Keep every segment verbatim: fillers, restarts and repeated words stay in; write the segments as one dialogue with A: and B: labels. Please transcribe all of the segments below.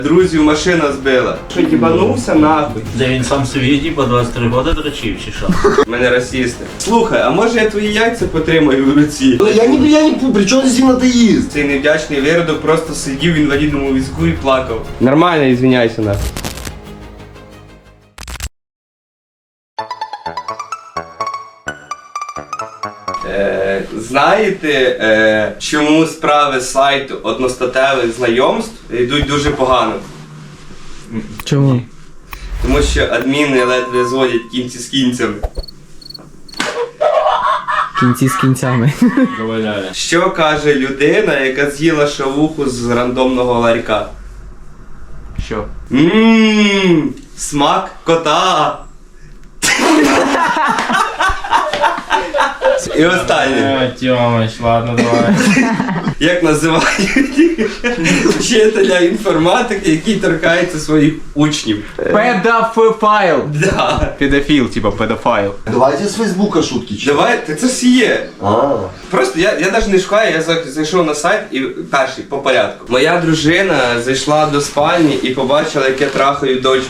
A: Друзів машина збила. Що, їбанувся нахуй?
B: Де він сам собі типа двадцять три роки дрочив чи що?
A: Мене расісти. Слухай, а може я твої яйця потримаю в руці?
C: Я не, я не, при чому здесь атеїст?
A: Цей невдячний виродок просто сидів в інвалідному візку і плакав. Нормально, ізвиняйся нахуй. Е, знаєте, е, чому справи сайту одностатевих знайомств йдуть дуже погано?
D: Чому?
A: Тому що адміни ледве зводять кінці з кінцями.
D: Кінці з кінцями.
B: Заваляє.
A: Що каже людина, яка з'їла шавуху з рандомного ларька?
B: Що?
A: Ммм, смак кота. І останнє.
B: Тьомич, ладно, давай.
A: Як називають вчителя інформатики, який торкається своїх учнів?
B: Педофайл.
A: Да.
B: Педофіл, типа педофайл.
C: Давайте з Фейсбука шутки читати.
A: Давай, це ж є.
C: А,
A: Просто я, я навіть не шукаю, я за- зайшов на сайт і перший по порядку. Моя дружина зайшла до спальні і побачила, як я трахаю дочку.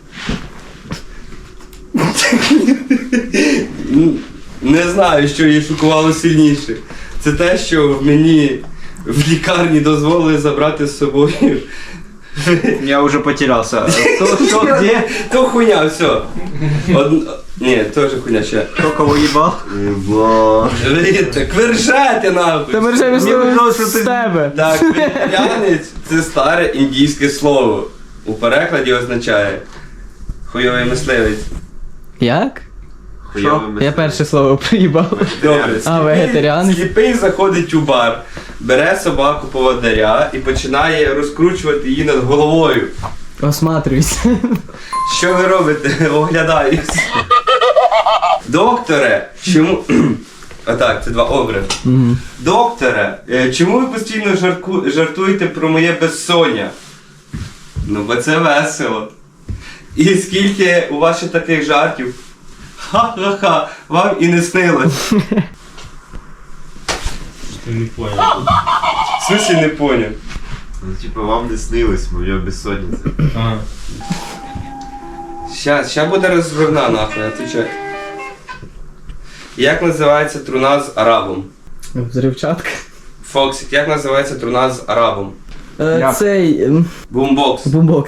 A: Не знаю, що її шокувало сильніше. Це те, що мені в лікарні дозволили забрати з собою.
B: Я уже потерялся. Кто, что, где?
A: То хуйня, все. Од... Ні, теж хуйня ще.
B: Кто кого ебал?
C: єба.
A: Так ви ржете нахуй.
D: Та ми вже
B: Мені казалось, що
D: з
B: ти-
D: тебе.
A: Так, вегетаріанець – це старе індійське слово. У перекладі означає хуйовий мисливець.
D: Як?
B: Що?
D: Я перше слово приїбав.
A: Добре,
D: А,
A: сліпий,
D: вегетаріанець?
A: сліпий заходить у бар, бере собаку поводиря і починає розкручувати її над головою.
D: Осматрюйся.
A: Що ви робите? Оглядаюсь. Докторе, чому... Отак, це два образи.
D: Мгм.
A: Докторе, е, чому ви постійно жарку... жартуєте про моє безсоння? Ну, бо це весело. І скільки у вас ще таких жартів? Ха-ха-ха, вам і не снилось.
B: Ты не понял.
A: В смысле не поняв?
E: Ну, типа, вам не снилось, моя бессонница.
B: Ага.
A: Щас, ща буде розгорна нахуй, отвечай. Як називається труна з арабом?
D: Взривчатка.
A: Фоксик, як називається труна з арабом?
D: Е,
B: Як?
D: Цей... ем,
A: Бумбокс.
D: бумбокс.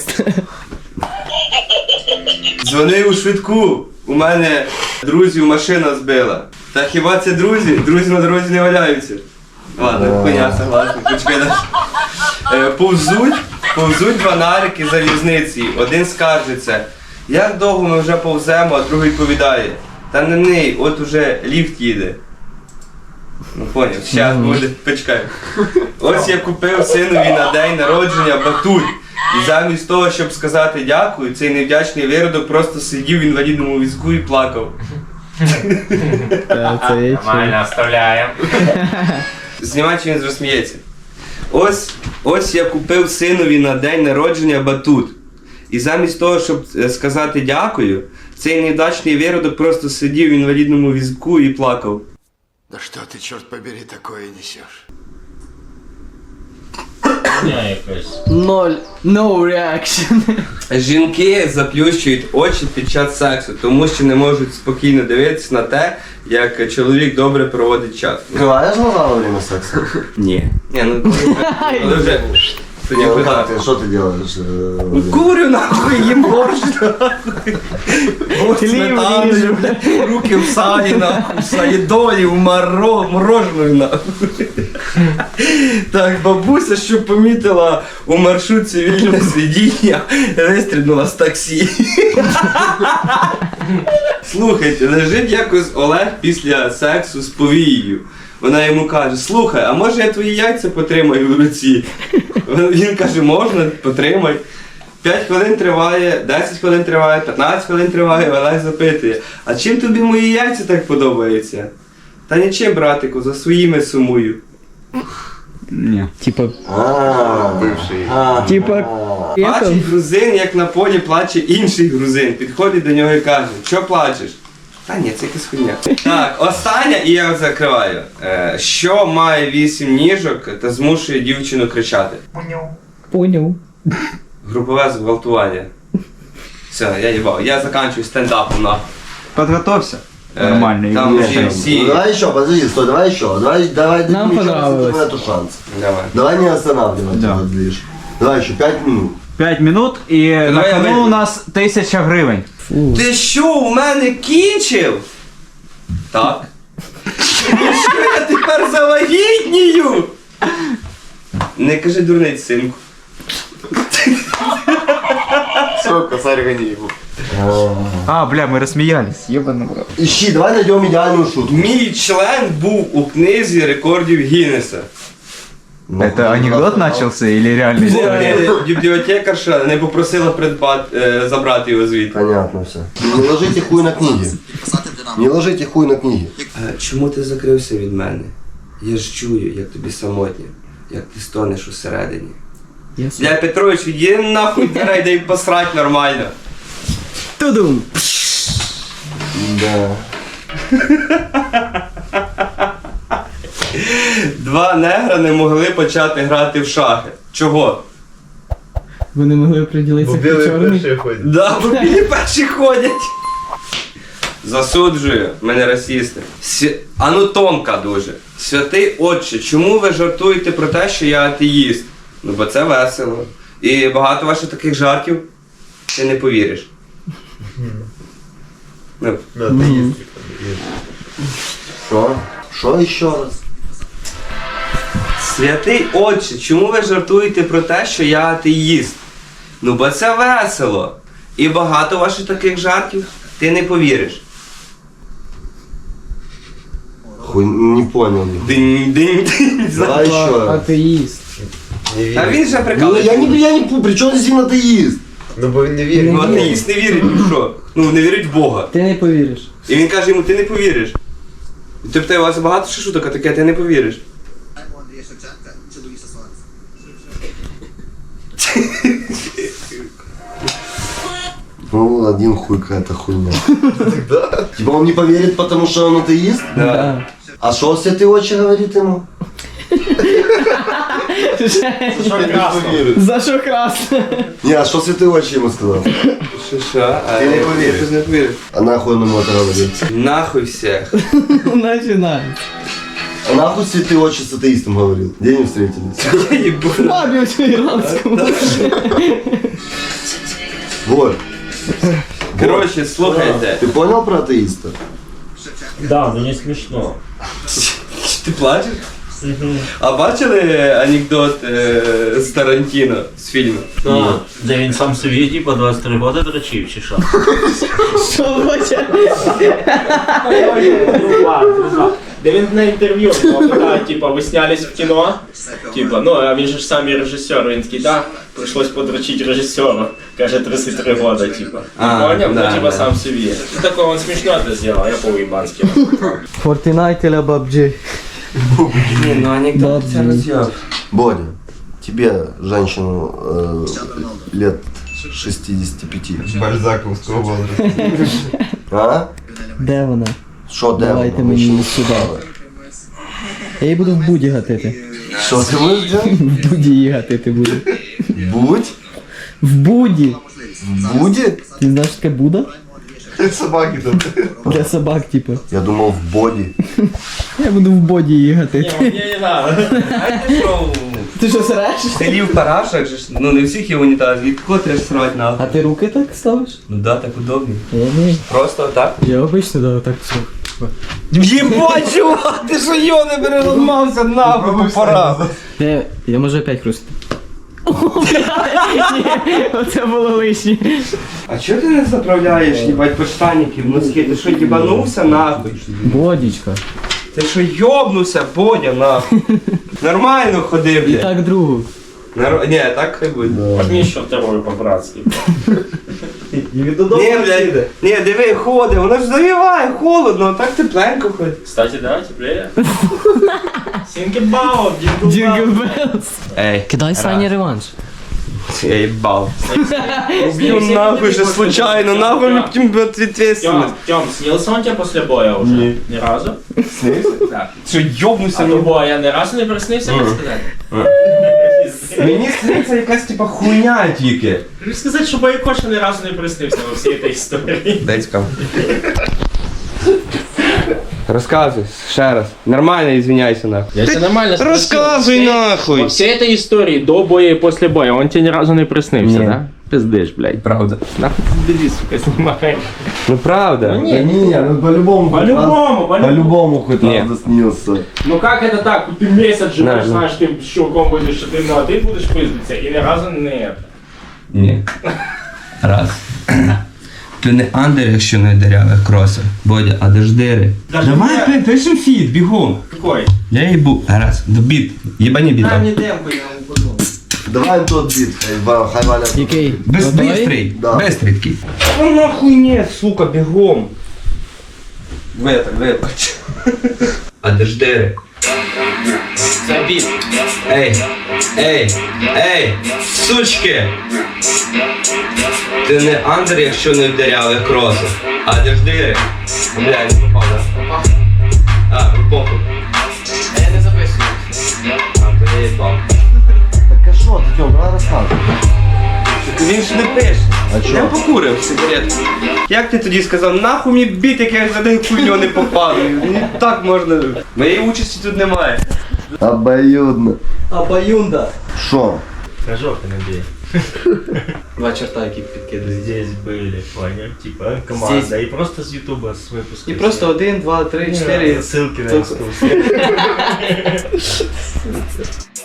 A: Дзвони у швидку. У мене друзів машина збила. Та хіба це друзі? Друзі на дорозі не валяються. Ладно, хуйня, согласен. Почекай далі. Е, Повзуть, повзуть два нарики залізниці. Один скаржиться. Як довго ми вже повземо, а другий відповідає. Та не ний, от уже ліфт їде. Ну поняв, щас буде, почекай. Ось я купив синові на день народження батуль. І замість того, щоб сказати дякую, цей невдячний виродок просто сидів в інвалідному візку і плакав.
D: Та, Це є чим.
B: Нормально, оставляем.
A: Знімай, чи він розсміється. Ось, ось я купив синові на день народження батут. І замість того, щоб е, сказати дякую, цей невдячний виродок просто сидів в інвалідному візку і плакав.
E: Да что ты, черт побери, такое несешь?
B: Я якось.
D: Ноль. No reaction.
A: Жінки заплющують очі під час сексу, тому що не можуть спокійно дивитися на те, як чоловік добре проводить час.
C: Открываешь глаза во время секса?
A: Ні. Ні, ну коли вже- коли вже... Це
C: Ну,
A: ніхуя.
C: как ты, что ты делаешь? э,
A: Курю нахуй, їм борщ нахуй. Борщ
D: Хліб
A: сметаною,
D: ріжу.
A: блядь, руки в салі нахуй, в салідолі, в маро, мороженою нахуй. Так, бабуся, що помітила у маршрутці вільне сидіння, вистрибнула з таксі. Слухайте, лежить якось Олег після сексу з повією. Вона йому каже: слухай, а може я твої яйця потримаю в руці? Він каже, можна, потримай. п'ять хвилин триває, десять хвилин триває, п'ятнадцять хвилин триває, Олег запитує: а чим тобі мої яйця так подобаються? Та нічим, братику, за своїми сумую.
B: Ні.
D: Типа...
C: А,
E: Бывший.
C: а,
D: Типа...
C: а.
A: Бачить грузин, як на полі плаче інший грузин. Підходить до нього і каже: що плачеш? Та ні, це якась хуйня. Так, остання, і я закриваю. Е, що має вісім ніжок та змушує дівчину кричати?
D: Поняв.
A: Групове зґвалтування. Все, я їбав. Я заканчую стендапом на.
B: Подготовься.
A: Е,
B: Нормально.
A: Там
B: и
A: вже
B: гуляй.
A: всі.
C: Ну, давай еще, подожди, стой, давай еще. Давай, давай,
D: Нам
C: дадим еще раз
D: понравилось.
C: этому эту шанс.
A: Давай.
C: Давай не останавливать
B: Да.
C: этот движ. Давай еще пять минут.
B: П'ять минут і на
A: Давай я
B: кону
A: вийду.
B: у нас тисяча гривень.
D: Фу.
A: Ти що, у мене кінчив? Так. І що я тепер завагітнію? Не кажи дурниць, синку.
E: Все, косарь гони его.
B: А, бля, ми розсміялись. Єбаний брат.
C: Ищи, давай найдем идеальную шутку.
A: Мій член був у книзі рекордів Гіннеса.
C: Ну,
B: Это
C: хуй,
B: анекдот
C: нахуй.
B: начался или реальная история?
A: Е, Бібліотекарша не попросила придбати, е, забрати його звідти.
C: Понятно все. Не ложите хуй на книги. Не ложите хуй на книги.
A: А чому ти закрився від мене? Я ж чую, як тобі самотньо, як ти стонеш усередині.
D: Я
A: Бля, Петрович, іди нахуй дверей, дай посрать нормально.
D: Тудум.
C: Да.
A: Два негра не могли почати грати в шахи. Чого?
D: Вони могли приділитися під чорний.
E: ходит.
A: Да, бо білі перші ходять. Засуджую, мене расісти. Свя... А ну тонка дуже. Святий отче, чому ви жартуєте про те, що я атеїст? Ну бо це весело. І багато ваших таких жартів ти не повіриш. Ну,
E: Ну, ты есть.
C: Что? Что еще раз?
A: святий отче, чому ви жартуєте про те, що я атеїст? Ну бо це весело. І багато ваших таких жартів ти не повіриш.
C: Хуй, не понял.
A: Динь, динь, динь.
C: Давай еще раз.
D: Атеїст.
A: А він же
C: Ну,
A: прикалується.
C: я не, я не, при чем здесь именно атеист?
E: Ну, бо він не вірить.
A: Ну, атеїст не вірить ні в що. Ну, не вірить в Бога.
D: Ти не повіриш.
A: І він каже йому, ти не повіриш. І ти питає, у вас багато ще шуток, а таке, ти не повіриш.
C: Ну, один хуй какая-то хуйня. Типа он не поверит, потому что он атеист?
D: Да.
C: А что святый отче говорит ему?
D: За що красне?
C: Не, а что святый отче ему сказал?
A: Що, що? А,
C: Ти не повіриш.
A: Ти не повіриш.
C: А нахуй он ему это говорит?
A: Нахуй всех.
D: Починай.
C: А нахуй святый отче с атеистом говорил? Где они встретились?
A: Я їбу.
D: Бабі у іранському.
C: Вот.
A: Коротше, слухайте.
C: Ты понял про атеиста?
F: Да, но не смешно.
A: Ти плачеш? А бачили анекдот е, з Тарантіно, з фільму?
F: А, да він сам собі типа двадцять три года дрочив, чи що?
D: Що бача?
G: Де він на інтерв'ю його питають, типа, ви снялись в кіно? Типа, ну, а він же ж сам і режисер, він такий, да, прийшлось подрочити режисеру. Каже, тридцять три года, типа.
A: А,
G: Поняв?
A: да,
G: Ну, типа,
A: да.
G: сам собі. Ну, такого он смішно це зробив, я по-уїбанськи.
D: Fortnite или пабджі?
A: Ні, ну анекдот це роз'єб.
C: Бодя, тебе, женщину э, лет шестидесяти пяти.
E: Бальзаковского возраста.
C: А?
D: Де вона?
C: Что, да?
D: Давайте мені її сюди. Я її буду в буді гатити.
C: Что ты будешь делать?
D: В буді її гатити буду.
C: Будь?
D: В буді.
C: Будет?
D: Ти знаєш, що таке Буда?
E: Собаки тут.
D: Для собак, типу.
C: Я думал в боди.
D: Я буду в боді її гатити.
G: Ні, мені не надо.
A: Знаєте, що
D: Ти що среш?
A: в селі в парашах, же ж, ну не всіх є унітаз, від кого треба срати
D: А
A: нахуй?
D: ти руки так ставиш?
A: Ну да, так удобно.
D: Я не.
A: Просто так.
D: Я обично да, так все.
A: Єбать, чувак, ти що йо не переламався нахуй по парах.
D: Я, я можу опять хрустити. Оце було лишнє.
A: А чого ти не заправляєш, їбать, подштанники в носки? Ти що, їбанувся нахуй?
D: Бодічка.
A: Ти що, йобнувся, Бодя, нахуй? Нормально ходи,
D: І
A: блядь.
D: так другу.
A: Нар... Ні, так хай буде.
G: Возьми ще вторую по-братськи.
A: Ні, блядь, ні, диви, ходи, воно ж завіває, холодно, а так тепленько ходить.
G: Кстати, да, теплее. Сінгебао,
D: Джингл
G: дінгл
D: Беллс.
A: Ей,
D: Кидай Сані реванш.
A: я їбав. Уб'ю нахуй же случайно, нахуй мне потім буде
G: Тём,
A: відветственность.
G: Тём, снился он тебе после боя уже?
A: Ні.
G: Ни разу?
A: Ти що, йобнувся
G: А до
A: нахуй?
G: боя ни разу не приснився, не сказати?
A: Мені здається якась типа хуйня тільки.
G: Хочу сказати, що Байкоша ні разу не приснився во всій цій історії.
A: Дай цікаво. Розказуй, ще раз. Нормально, извиняйся нахуй.
G: Я тебе нормально спросил.
A: Розказуй нахуй.
G: Во всей этой истории, до боя и после боя, он тебе ни разу не приснился,
A: Ні.
G: да? Пиздиш, блядь.
A: Правда.
G: Нахуй ты бери, сука, снимаешь.
A: Ну правда.
G: Ну,
C: Да не, ну по-любому. хоть раз-
G: По-любому, по-любому.
C: По-любому хоть
A: Не.
C: раз заснился.
G: Ну как это так? Ты месяц живешь,
A: Да,
G: знаешь, ты с чуваком будешь, что ты, ну, а ты будешь пиздиться, и ни разу не это.
A: Ні. Раз. Ти не андер, якщо не дирявих кросер. Бодя, а де ж дири?
G: Даже
A: Давай
G: не-
A: пи- пишем фіт, бігом.
G: Какой?
A: Я їбу. Раз. До біт. Єбані біт.
G: Дай мне демку, я ему подумал.
C: Давай тот бит, хай- хай Валя.
D: Який?
A: Без,
D: Готовий?
A: бистрий.
C: Да.
A: Бистрий такий. Ну нахуй ні, сука, бігом. Витак, вибач. А де ж дири?
G: Забит.
A: Ей, ей, ей, сучки! Ти не андер, якщо не в дирявих кросах. А де ж дири? Бля, не попав, да? А, ви похуй.
G: А я не записываю.
A: А, то я їбав.
C: Так а что ты, Тём, давай рассказывай.
A: Він ж не пише.
C: А чо?
A: Я покурив сигаретку. Як ти тоді сказав, нахуй мені біт, як я за день хуйню не попадаю. Мені так можна. Моєї участі тут немає.
C: Обоюдно.
D: Абаюнда.
C: Шо?
F: Рожок не бей.
G: Два черта, які підкидують.
F: Здесь были, понял? Типа команда. И просто с ютуба с выпуска.
G: І просто один, два, три,
F: Не,
G: чотири.
F: ссылки на
G: Только-
F: инсту.